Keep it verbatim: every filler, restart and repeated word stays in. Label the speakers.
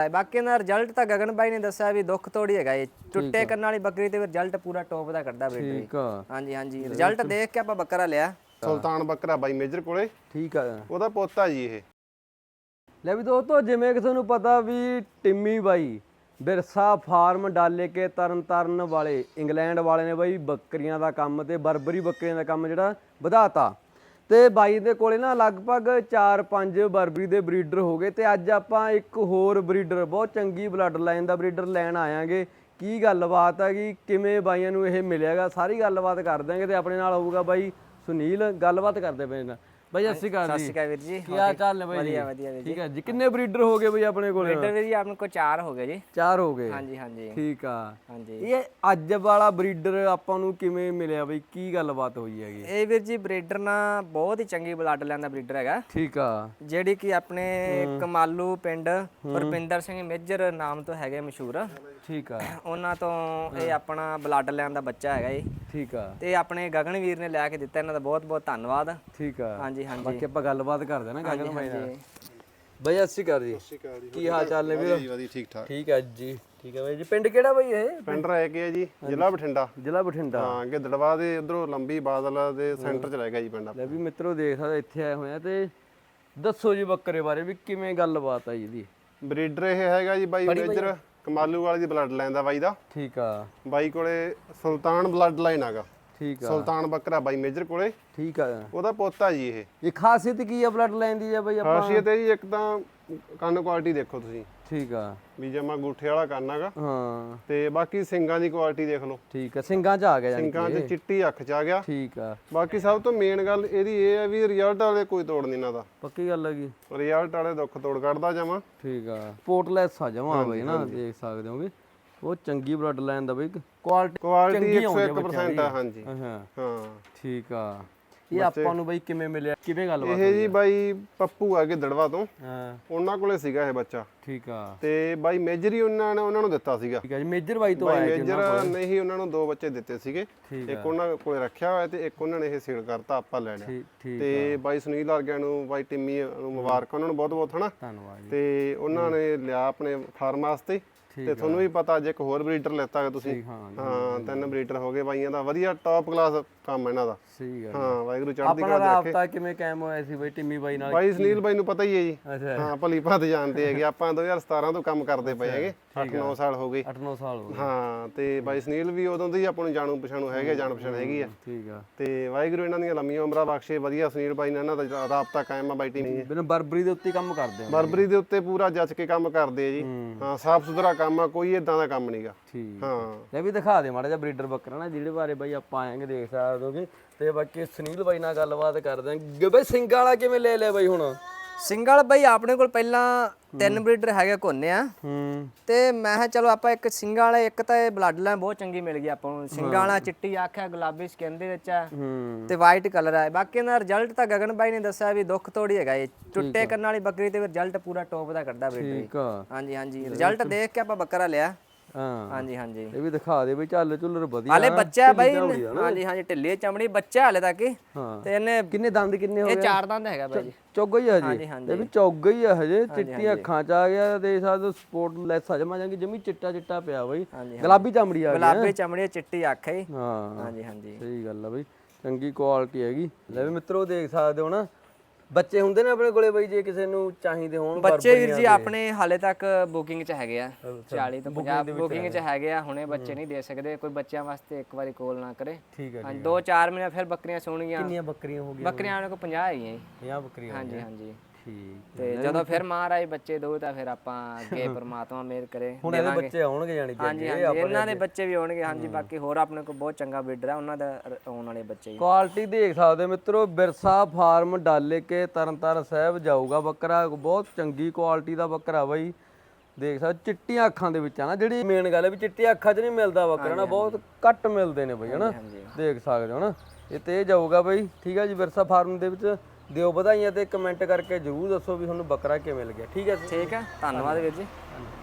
Speaker 1: ਬਾਕੀ ਇਹਦਾ ਰਿਜ਼ਲਟ ਤਾਂ ਗਗਨ ਬਾਈ ਨੇ ਦੱਸਿਆ ਵੀ ਦੁੱਖ ਤੋੜੀ ਹੈਗਾ ਇਹ ਟੁੱਟੇ ਕੰਨਾਂ ਵਾਲੀ ਬੱਕਰੀ ਤੇ ਰਿਜ਼ਲਟ ਪੂਰਾ ਟੌਪ ਦਾ ਕੱਢਦਾ ਬਰੀਡਰ।
Speaker 2: ਠੀਕ ਆ।
Speaker 1: ਹਾਂਜੀ ਹਾਂਜੀ ਰਿਜ਼ਲਟ ਦੇਖ ਕੇ ਆਪਾਂ ਬੱਕਰਾ ਲਿਆ।
Speaker 3: ਸੁਲਤਾਨ ਬੱਕਰਾ ਬਾਈ ਮੇਜਰ ਕੋਲੇ।
Speaker 2: ਠੀਕ ਆ।
Speaker 3: ਉਹਦਾ ਪੋਤਾ ਜੀ ਇਹ।
Speaker 2: ਲੈ ਵੀ ਦੋਸਤੋ ਜਿਵੇਂ ਕਿ ਤੁਹਾਨੂੰ ਪਤਾ ਵੀ ਟਿੰਮੀ ਬਾਈ ਬਿਰਸਾ ਫਾਰਮ ਡਾਲੇ ਕੇ ਤਰਨ ਤਾਰਨ ਵਾਲੇ ਇੰਗਲੈਂਡ ਵਾਲੇ ਨੇ ਬਾਈ ਬੱਕਰੀਆਂ ਦਾ ਕੰਮ ਤੇ ਬਰਬਰੀ ਬੱਕਰੀਆਂ ਦਾ ਕੰਮ ਜਿਹੜਾ ਵਧਾਤਾ ਤੇ ਬਾਈ ਦੇ ਕੋਲੇ ਨਾ ਲਗਭਗ ਚਾਰ ਪੰਜ ਬਰਬਰੀ ਦੇ ਬਰੀਡਰ ਹੋ ਗਏ ਤੇ ਅੱਜ ਆਪਾਂ ਇੱਕ ਹੋਰ ਬਰੀਡਰ ਬਹੁਤ ਚੰਗੀ ਬਲੱਡ ਲਾਈਨ ਦਾ ਬਰੀਡਰ ਲੈਣ ਆਇਆਂਗੇ। ਕੀ ਗੱਲਬਾਤ ਹੈਗੀ, ਕਿਵੇਂ ਬਾਈਆਂ ਨੂੰ ਇਹ ਮਿਲਿਆਗਾ, ਸਾਰੀ ਗੱਲਬਾਤ ਕਰ ਦਾਂਗੇ ਤੇ ਆਪਣੇ ਨਾਲ ਹੋਊਗਾ ਬਾਈ ਸੁਨੀਲ। ਗੱਲਬਾਤ ਕਰਦੇ ਪਏ ਨਾ ਬਾਈ। ਸਤਿ ਸ਼੍ਰੀ ਅਕਾਲ ਜੀ।
Speaker 1: ਸਤਿ ਸ਼੍ਰੀ ਅਕਾਲ ਵੀਰ ਜੀ।
Speaker 2: ਕੀ ਹਾਲ ਚਾਲ ਨੇ ਬਾਈ?
Speaker 1: ਵਧੀਆ ਵਧੀਆ ਵੀਰ ਜੀ।
Speaker 2: ਠੀਕ ਹੈ ਜੀ। ਕਿੰਨੇ ਬਰੀਡਰ ਹੋ ਗਏ ਬਾਈ ਆਪਣੇ ਕੋਲ?
Speaker 1: ਬਰੀਡਰ ਵੀਰ ਜੀ ਆਪਣੇ ਕੋਲ ਚਾਰ ਹੋ ਗਏ ਜੀ।
Speaker 2: ਚਾਰ ਹੋ ਗਏ।
Speaker 1: ਹਾਂਜੀ ਹਾਂਜੀ
Speaker 2: ਠੀਕ ਆ।
Speaker 1: ਹਾਂਜੀ
Speaker 2: ਇਹ ਅੱਜ ਵਾਲਾ ਬਰੀਡਰ ਆਪਾਂ ਨੂੰ ਕਿਵੇਂ ਮਿਲਿਆ ਬਈ, ਕੀ ਗੱਲਬਾਤ ਹੋਈ ਹੈਗੀ?
Speaker 1: ਇਹ ਵੀਰ ਜੀ ਬਰੀਡਰ ਨਾ ਬਹੁਤ ਹੀ ਚੰਗੀ ਬਲੱਡ ਲਾਈਨ ਦਾ ਬਰੀਡਰ ਹੈਗਾ।
Speaker 2: ਠੀਕ ਆ।
Speaker 1: ਜਿਹੜੀ ਕਿ ਆਪਣੇ ਕਮਾਲੂ ਪਿੰਡ ਰੁਪਿੰਦਰ ਸਿੰਘ ਮੇਜਰ ਨਾਮ ਤੋਂ ਹੈਗੇ ਮਸ਼ਹੂਰ।
Speaker 2: ਠੀਕ ਆ।
Speaker 1: ਉਹਨਾਂ ਤੋਂ ਇਹ ਆਪਣਾ ਬਲੱਡ ਲਾਈਨ ਦਾ ਬੱਚਾ ਹੈਗਾ ਇਹ।
Speaker 2: ਠੀਕ ਆ।
Speaker 1: ਤੇ ਆਪਣੇ ਗਗਨ ਵੀਰ ਨੇ ਲੈ ਕੇ ਦਿੱਤਾ, ਇਹਨਾਂ ਦਾ ਬਹੁਤ ਬਹੁਤ ਧੰਨਵਾਦ।
Speaker 2: ਠੀਕ ਆ।
Speaker 1: ਹਾਂਜੀ ਹਾਂਜੀ
Speaker 2: ਬਾਕੀ ਆਪਾਂ ਗੱਲਬਾਤ ਕਰਦੇ ਨਾ ਗਗਨ ਬਾਈ ਨਾਲ। ਬਾਈ ਸਤਿ ਸ਼੍ਰੀ ਅਕਾਲ ਜੀ। ਕੀ ਹਾਲ ਚਾਲ ਨੇ ਵੀਰ?
Speaker 3: ਵਧੀਆ ਠੀਕ ਠਾਕ।
Speaker 2: ਠੀਕ ਹੈ ਜੀ। ਠੀਕ ਹੈ ਬਾਈ ਜੀ। ਪਿੰਡ ਕਿਹੜਾ ਬਾਈ ਇਹ?
Speaker 3: ਪਿੰਡ ਰਹਿ ਗਿਆ ਜੀ, ਜ਼ਿਲ੍ਹਾ ਬਠਿੰਡਾ।
Speaker 2: ਜ਼ਿਲ੍ਹਾ ਬਠਿੰਡਾ।
Speaker 3: ਹਾਂ ਗਿੱਦੜਵਾ ਦੇ ਉਧਰੋਂ ਲੰਬੀ ਬਾਦਲ ਦੇ ਸੈਂਟਰ ਚ ਰਹਿ ਗਿਆ ਜੀ ਪਿੰਡ।
Speaker 2: ਲੈ ਵੀ ਮਿੱਤਰੋ ਦੇਖ ਸਕਦੇ ਇੱਥੇ ਆਏ ਹੋਏ ਆ ਤੇ ਦੱਸੋ ਜੀ ਬੱਕਰੇ ਬਾਰੇ ਵੀ ਕਿਵੇਂ ਗੱਲਬਾਤ ਆ ਜੀ ਇਹਦੀ?
Speaker 3: ਬਰੀਡਰ ਇਹ ਹੈਗਾ ਜੀ ਬਾਈ ਮੇਜਰ ਕਮਾਲੂ ਵਾਲੀ ਦੀ ਬਲੱਡ ਲਾਈਨ ਦਾ ਬਾਈ ਦਾ।
Speaker 2: ਠੀਕ ਆ।
Speaker 3: ਬਾਈ ਕੋਲੇ ਸੁਲਤਾਨ ਬਲੱਡ ਲਾਈਨ ਹੈਗਾ।
Speaker 2: ਠੀਕ ਆ।
Speaker 3: ਸੁਲਤਾਨ ਬੱਕਰਾ ਬਾਈ ਮੇਜਰ ਕੋਲੇ।
Speaker 2: ਠੀਕ ਆ।
Speaker 3: ਉਹਦਾ ਪੋਤਾ ਜੀ ਇਹ।
Speaker 2: ਇਹ ਖਾਸੀਅਤ ਕੀ ਆ ਬਲੱਡ ਲਾਈਨ ਦੀ ਆ ਬਾਈ ਆਪਾਂ?
Speaker 3: ਖਾਸੀਅਤ ਹੈ ਜੀ ਇੱਕ ਤਾਂ ਕੰਨ ਕੁਆਲਿਟੀ ਦੇਖੋ ਤੁਸੀਂ।
Speaker 2: ਠੀਕ ਆ।
Speaker 3: ਵੀ ਜਮਾ ਗੂਠੇ ਵਾਲਾ ਕੰਨ ਹੈਗਾ।
Speaker 2: ਹਾਂ
Speaker 3: ਤੇ ਬਾਕੀ ਸਿੰਗਾਂ ਦੀ ਕੁਆਲਿਟੀ ਦੇਖ ਲਓ।
Speaker 2: ਠੀਕ ਆ। ਸਿੰਗਾਂ 'ਚ ਆ ਗਿਆ ਜਾਨੀ
Speaker 3: ਸਿੰਗਾਂ 'ਚ ਚਿੱਟੀ ਅੱਖ 'ਚ ਆ ਗਿਆ।
Speaker 2: ਠੀਕ ਆ।
Speaker 3: ਬਾਕੀ ਸਭ ਤੋਂ ਮੇਨ ਗੱਲ ਇਹਦੀ ਇਹ ਹੈ ਵੀ ਰਿਜ਼ਲਟ ਵਾਲੇ ਕੋਈ ਤੋੜ ਨਹੀਂ ਇਹਨਾਂ ਦਾ।
Speaker 2: ਪੱਕੀ ਗੱਲ ਹੈਗੀ।
Speaker 3: ਰਿਜ਼ਲਟ ਵਾਲੇ ਦੁੱਖ ਤੋੜ ਕੱਢਦਾ ਜਮਾ।
Speaker 2: ਠੀਕ ਆ। ਪੋਰਟਲੈਸ ਆ ਜਮਾ ਬਾਈ ਨਾ, ਦੇਖ ਸਕਦੇ ਹੋਗੇ ਬਹੁਤ ਚੰਗੀ ਬਲੱਡ ਲਾਈਨ ਦਾ ਬਾਈ। ਕੁਆਲਿਟੀ
Speaker 3: ਕੁਆਲਿਟੀ ਇੱਕ ਸੌ ਇੱਕ ਪਰਸੈਂਟ ਆ। ਹਾਂਜੀ
Speaker 2: ਹਾਂ
Speaker 3: ਹਾਂ
Speaker 2: ਠੀਕ ਆ। ਇਹ ਆਪਾਂ ਨੂੰ ਬਾਈ ਕਿਵੇਂ ਮਿਲਿਆ, ਕਿਵੇਂ ਗੱਲਬਾਤ?
Speaker 3: ਇਹ ਜੀ ਬਾਈ ਪੱਪੂ ਆ ਗਿੱਦੜਵਾ ਤੋਂ।
Speaker 2: ਹਾਂ
Speaker 3: ਉਹਨਾਂ ਕੋਲੇ ਸੀਗਾ ਇਹ ਬੱਚਾ।
Speaker 2: ਠੀਕ ਆ।
Speaker 3: ਤੇ ਬਾਈ ਮੇਜਰ ਹੀ ਉਹਨਾਂ ਨੇ ਉਹਨਾਂ ਨੂੰ ਦਿੱਤਾ ਸੀਗਾ।
Speaker 2: ਠੀਕ ਆ ਜੀ। ਮੇਜਰ ਬਾਈ ਤੋਂ
Speaker 3: ਬਾਈ
Speaker 2: ਆਇਆ ਜੀ।
Speaker 3: ਮੇਜਰ ਨੇ ਹੀ ਉਹਨਾਂ ਨੂੰ ਦੋ ਬੱਚੇ ਦਿੱਤੇ ਸੀਗੇ।
Speaker 2: ਠੀਕ
Speaker 3: ਇੱਕ ਉਹਨਾਂ ਕੋਲੇ ਰੱਖਿਆ ਹੋਇਆ ਤੇ ਇੱਕ ਉਹਨਾਂ ਨੇ ਇਹ ਸੇਲ ਕਰਤਾ, ਆਪਾਂ ਲੈ ਲਿਆ।
Speaker 2: ਠੀਕ
Speaker 3: ਤੇ ਬਾਈ ਸੁਨੀਲ ਵਰਗਿਆਂ ਨੂੰ, ਬਾਈ ਟਿੰਮੀ ਨੂੰ ਮੁਬਾਰਕ ਉਹਨਾਂ ਨੂੰ ਬਹੁਤ ਬਹੁਤ ਹਨਾ।
Speaker 2: ਧੰਨਵਾਦ ਜੀ।
Speaker 3: ਤੇ ਉਹਨਾਂ ਨੇ ਲਿਆ ਆਪਣੇ ਫਾਰਮ ਵਾਸਤੇ। ਤੇ ਤੁਹਾਨੂੰ ਵੀ ਪਤਾ ਅੱਜ ਇੱਕ ਹੋਰ ਬਰੀਡਰ ਲੈਤਾ ਤੁਸੀਂ।
Speaker 2: ਹਾਂ
Speaker 3: ਹਾਂ ਤਿੰਨ ਬਰੀਡਰ ਹੋ ਗਏ ਬਾਈਆਂ ਦਾ। ਵਧੀਆ ਟੌਪ ਕਲਾਸ ਕੰਮ ਇਹਨਾਂ ਦਾ।
Speaker 2: ਸਹੀ ਗੱਲ।
Speaker 3: ਹਾਂ ਵਾਹਿਗੁਰੂ ਚੜ੍ਹਦੀ
Speaker 2: ਆਪਣਾ
Speaker 3: ਕਲਾ ਰੱਖੇ।
Speaker 2: ਰਾਬਤਾ ਕਿਵੇਂ ਕਾਇਮ ਹੋਇਆ ਸੀ ਬਾਈ ਟਿੰਮੀ ਬਾਈ ਨਾਲ?
Speaker 3: ਬਾਈ ਸੁਨੀਲ ਬਾਈ ਨੂੰ ਪਤਾ ਹੀ ਹੈ ਜੀ।
Speaker 2: ਅੱਛਾ।
Speaker 3: ਹਾਂ ਭਲੀ ਭਾਂਤ ਜਾਣਦੇ ਹੈਗੇ ਆਪਾਂ। ਦੋ ਹਜ਼ਾਰ ਸਤਾਰਾਂ ਤੋਂ ਕੰਮ ਕਰਦੇ ਪਏ ਹੈਗੇ। ਅੱਠ ਨੌ ਸਾਲ ਹੋ ਗਏ।
Speaker 2: ਅੱਠ ਨੌ ਸਾਲ ਹੋ ਗਏ।
Speaker 3: ਹਾਂ ਤੇ ਬਾਈ ਸੁਨੀਲ ਵੀ ਉਦੋਂ ਦੀ ਆਪਾਂ ਨੂੰ ਜਾਣੂ ਪਛਾਣੂ ਹੈਗੇ, ਜਾਣ ਪਛਾਣ ਹੈਗੀ ਆ।
Speaker 2: ਠੀਕ ਆ।
Speaker 3: ਤੇ ਵਾਹਿਗੁਰੂ ਇਹਨਾਂ ਦੀਆਂ ਲੰਮੀਆਂ ਉਮਰਾਂ ਬਖਸ਼ੇ। ਵਧੀਆ ਸੁਨੀਲ ਬਾਈ ਨਾਲ ਇਹਨਾਂ ਦਾ ਰਾਬਤਾ ਕਾਇਮ ਆ ਬਾਈ ਟੀਮ।
Speaker 2: ਬਿਨਾਂ ਬਰਬਰੀ ਦੇ ਉੱਤੇ ਕੰਮ ਕਰਦੇ ਆ।
Speaker 3: ਬਰਬਰੀ ਦੇ ਉੱਤੇ ਪੂਰਾ ਜੱਜ ਕੇ ਕੰਮ ਕਰਦੇ ਆ ਜੀ। ਹਾਂ ਸਾਫ ਸੁਥਰਾ ਕੰਮ ਆ, ਕੋਈ ਇਦਾਂ ਦਾ ਕੰਮ ਨਹੀਂਗਾ।
Speaker 2: ਠੀਕ।
Speaker 3: ਹਾਂ
Speaker 2: ਲੈ ਵੀ ਦਿਖਾ ਦੇ ਮਾੜਾ ਜਿਹਾ ਬਰੀਡਰ ਬੱਕਰਾ ਨਾ ਜਿਹੜੇ ਬਾਰੇ ਬਾਈ ਆਪਾਂ ਆਏਂਗੇ, ਦੇਖ ਸਕਦੇ ਹੋਗੇ। ਤੇ ਬਾਕੀ ਸੁਨੀਲ ਬਾਈ ਨਾਲ ਗੱਲਬਾਤ ਕਰਦੇ ਆਂ। ਬਾਈ ਸਿੰਗਾਂ ਵਾਲਾ ਕਿਵੇਂ ਲੈ ਲਿਆ ਬਾਈ ਹੁਣ?
Speaker 1: ਸਿੰਗਲ ਬਾਈ ਆਪਣੇ ਕੋਲ ਪਹਿਲਾਂ ਤਿੰਨ ਬਰੀਡਰ ਹੈਗੇ ਕੋਨੇ ਆ।
Speaker 2: ਹੂੰ।
Speaker 1: ਤੇ ਮੈਂ ਕਿਹਾ ਚਲੋ ਆਪਾਂ ਇੱਕ ਸਿੰਗਾਂ ਵਾਲਾ, ਇੱਕ ਤਾਂ ਇਹ ਬਲੱਡ ਲਾਈਨ ਬਹੁਤ ਚੰਗੀ ਮਿਲ ਗਈ ਆਪਾਂ ਨੂੰ। ਸਿੰਗਾਂ ਵਾਲਾ ਚਿੱਟੀ ਅੱਖ ਹੈ, ਗੁਲਾਬੀ ਸਕਿਨ ਦੇ ਵਿੱਚ ਆ
Speaker 2: ਹੂੰ।
Speaker 1: ਤੇ ਵਾਈਟ ਕਲਰ ਹੈ। ਬਾਕੀ ਇਹਦਾ ਰਿਜ਼ਲਟ ਤਾਂ ਗਗਨ ਬਾਈ ਨੇ ਦੱਸਿਆ ਵੀ ਦੁੱਖ ਤੋੜੀ ਹੈਗਾ ਇਹ ਟੁੱਟੇ ਕੰਨਾਂ ਵਾਲੀ ਬੱਕਰੀ ਤੇ ਰਿਜ਼ਲਟ ਪੂਰਾ ਟੌਪ ਦਾ ਕੱਢਦਾ ਬਰੀਡਰ।
Speaker 2: ਠੀਕ ਆ।
Speaker 1: ਹਾਂਜੀ ਹਾਂਜੀ ਰਿਜ਼ਲਟ ਦੇਖ ਕੇ ਆਪਾਂ ਬੱਕਰਾ ਲਿਆ।
Speaker 2: ਹਾਂ
Speaker 1: ਹਾਂਜੀ ਹਾਂਜੀ
Speaker 2: ਇਹ ਵੀ ਦਿਖਾ ਦੇ ਬਈ। ਚੱਲ ਚੁੱਲਰ ਵਧੀਆ।
Speaker 1: ਹਾਲੇ ਬੱਚਾ ਬਾਈ। ਹਾਂਜੀ ਹਾਂਜੀ ਢਿੱਲੀ ਚਮੜੀ ਬੱਚਾ ਹਾਲੇ ਤੱਕ।
Speaker 2: ਹਾਂ।
Speaker 1: ਤੇ ਇਹਨੇ
Speaker 2: ਕਿੰਨੇ ਦੰਦ ਕਿੰਨੇ ਹੋ ਗਏ?
Speaker 1: ਇਹ ਚਾਰ ਦੰਦ ਹੈਗਾ ਬਾਈ ਜੀ।
Speaker 2: ਚੌਗਾ ਹੀ ਆ ਜੀ।
Speaker 1: ਹਾਂਜੀ ਹਾਂਜੀ
Speaker 2: ਇਹ ਵੀ ਚੌਗਾ ਹੀ ਆ ਹਜੇ। ਚਿੱਟੀਆਂ ਅੱਖਾਂ ਚ ਆ ਗਿਆ। ਦੇਖ ਸਕਦੇ ਸਪੋਰਟ ਲੈਸ ਆ ਜਮਾ ਜਾਂਗੀ ਜਮੀ ਚਿੱਟਾ ਚਿੱਟਾ ਪਿਆ ਬਾਈ। ਗੁਲਾਬੀ ਚਮੜੀ ਆ ਗਈ।
Speaker 1: ਗੁਲਾਬੀ ਚਮੜੀ ਚਿੱਟੀ ਅੱਖ ਹੈ।
Speaker 2: ਹਾਂ
Speaker 1: ਹਾਂਜੀ ਹਾਂਜੀ
Speaker 2: ਸਹੀ ਗੱਲ ਆ ਬਈ। ਚੰਗੀ ਕੁਆਲਿਟੀ ਹੈਗੀ। ਲੈ ਵੀ ਮਿੱਤਰੋ ਦੇਖ ਸਕਦੇ ਹੋ ਨਾ ਬੱਚੇ ਹੁੰਦੇ ਨੇ ਆਪਣੇ ਕੋਲੇ ਬਾਈ, ਜੇ ਕਿਸੇ ਨੂੰ ਚਾਹੀਦੇ ਹੋਣ।
Speaker 1: ਬੱਚੇ ਵੀਰ ਜੀ ਆਪਣੇ ਹਾਲੇ ਤੱਕ ਬੁਕਿੰਗ 'ਚ ਹੈਗੇ ਆ। ਚਾਲੀ ਤੋਂ ਪੰਜਾਹ ਬੁਕਿੰਗ 'ਚ ਹੈਗੇ ਆ। ਹੁਣੇ ਬੱਚੇ ਨਹੀਂ ਦੇ ਸਕਦੇ। ਕੋਈ ਬੱਚਿਆਂ ਵਾਸਤੇ ਇੱਕ ਵਾਰੀ ਕਾਲ ਨਾ ਕਰੇ।
Speaker 2: ਠੀਕ ਹੈ।
Speaker 1: ਹਾਂਜੀ ਦੋ ਚਾਰ ਮਹੀਨੇ ਫਿਰ ਬੱਕਰੀਆਂ ਸੋਣਗੀਆਂ।
Speaker 2: ਕਿੰਨੀਆਂ ਬੱਕਰੀਆਂ ਹੋ ਗਈਆਂ?
Speaker 1: ਬੱਕਰੀਆਂ ਉਹਨਾਂ ਕੋਲ ਪੰਜਾਹ ਹੈਗੀਆਂ ਜੀ।
Speaker 2: ਪੰਜਾਹ ਬੱਕਰੀਆਂ।
Speaker 1: ਹਾਂਜੀ ਹਾਂਜੀ
Speaker 2: ਠੀਕ।
Speaker 1: ਤੇ ਜਦੋਂ ਫਿਰ ਮਹਾਰਾਜ ਬੱਚੇ ਦੋ ਤਾਂ ਫਿਰ ਆਪਾਂ ਅੱਗੇ ਪ੍ਰਮਾਤਮਾ ਮਿਹਰ ਕਰੇ
Speaker 2: ਹੁਣ ਇਹਦੇ ਬੱਚੇ ਆਉਣਗੇ ਜਾਨੀ ਕਿ।
Speaker 1: ਹਾਂਜੀ ਹਾਂਜੀ ਇਹਨਾਂ ਦੇ ਬੱਚੇ ਵੀ ਆਉਣਗੇ। ਹਾਂਜੀ ਬਾਕੀ ਹੋਰ ਆਪਣੇ ਕੋਲ ਬਹੁਤ ਚੰਗਾ ਬਰੀਡਰ ਆ, ਉਹਨਾਂ ਦਾ ਆਉਣ ਵਾਲੇ ਬੱਚੇ।
Speaker 2: ਕੁਆਲਿਟੀ ਦੇਖ ਸਕਦੇ ਮਿੱਤਰੋ। ਬਿਰਸਾ ਫਾਰਮ ਡਾਲੇ ਕੇ ਤਰਨਤਾਰਨ ਸਾਹਿਬ ਜਾਊਗਾ ਬੱਕਰਾ। ਬਹੁਤ ਚੰਗੀ ਕੁਆਲਿਟੀ ਦਾ ਬੱਕਰਾ ਬਾਈ। ਦੇਖ ਸਕਦੇ ਚਿੱਟੀਆਂ ਅੱਖਾਂ ਦੇ ਵਿੱਚ ਆ ਨਾ। ਜਿਹੜੀ ਮੇਨ ਗੱਲ ਹੈ ਵੀ ਚਿੱਟੀਆਂ ਅੱਖਾਂ 'ਚ ਨਹੀਂ ਮਿਲਦਾ ਬੱਕਰਾ ਨਾ, ਬਹੁਤ ਘੱਟ ਮਿਲਦੇ ਨੇ ਬਾਈ ਹਨਾ। ਦੇਖ ਸਕਦੇ ਹੋ ਨਾ। ਇਹ ਤੇ ਜਾਊਗਾ ਬਾਈ। ਠੀਕ ਹੈ ਜੀ। ਬਿਰਸਾ ਫਾਰਮ ਦੇ ਵਿੱਚ ਦਿਓ ਵਧਾਈਆਂ ਤੇ ਕਮੈਂਟ ਕਰਕੇ ਜਰੂਰ ਦੱਸੋ ਵੀ ਤੁਹਾਨੂੰ ਬੱਕਰਾ ਕਿਵੇਂ ਲੱਗਿਆ। ਠੀਕ ਹੈ
Speaker 1: ਠੀਕ ਹੈ। ਧੰਨਵਾਦ ਵੀਰ ਜੀ।